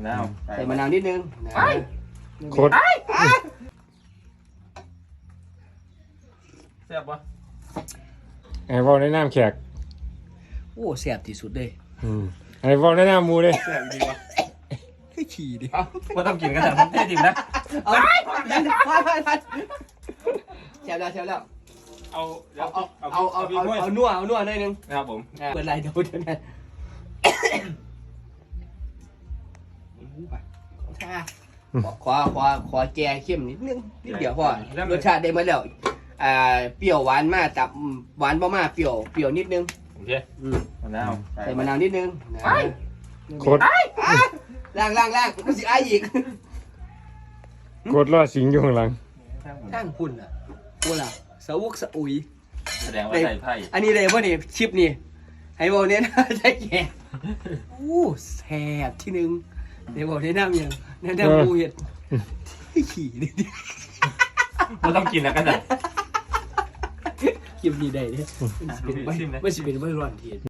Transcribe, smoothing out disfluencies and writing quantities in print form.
นาวใส่มะนาวนิดนึงโคตรแซ่บปะไอ้บอลในน้ำแขกโอ้แซ่บที่สุดเลยไอ้บอลในน้ำมูเลยแซ่บจริงปะให้ขี่ดิเอ้าว่าต้องกินกันแต่ผมแท้จริงนะเอาแซ่บแล้ว เอานัวหน่อยนึงนะครับผมเปิดไรเดี๋ยวนะขอแจเข้มนิดนึงนิดเดียวพอรสชาติได้มาแล้วเปรี้ยวหวานมากแต่หวานบ่มากเปรี้ยวนิดนึงโอเคมะนาวใส่มะนาวนิดนึงโคตรล่างก็สิอ้ายอีกโคตรรอดสิงอยู่ข้างหลังข้างคุณอ่ะกูล่ะสะอุกสะอุยแสดงว่าใส่ไพ่อันนี้เลยว่านี่ชิปนี่ให้บอกเนี่ยนะใช่แก่อู้แซ่บที่นึงเดี๋ยวบอกแนะนำยังแนะนำมูเห็ดขี่นี่ว่าต้องกินนะกันแต่คลิปนี้ได้เนี่ยไม่ใช่เป็นไม่ร้อนเทียน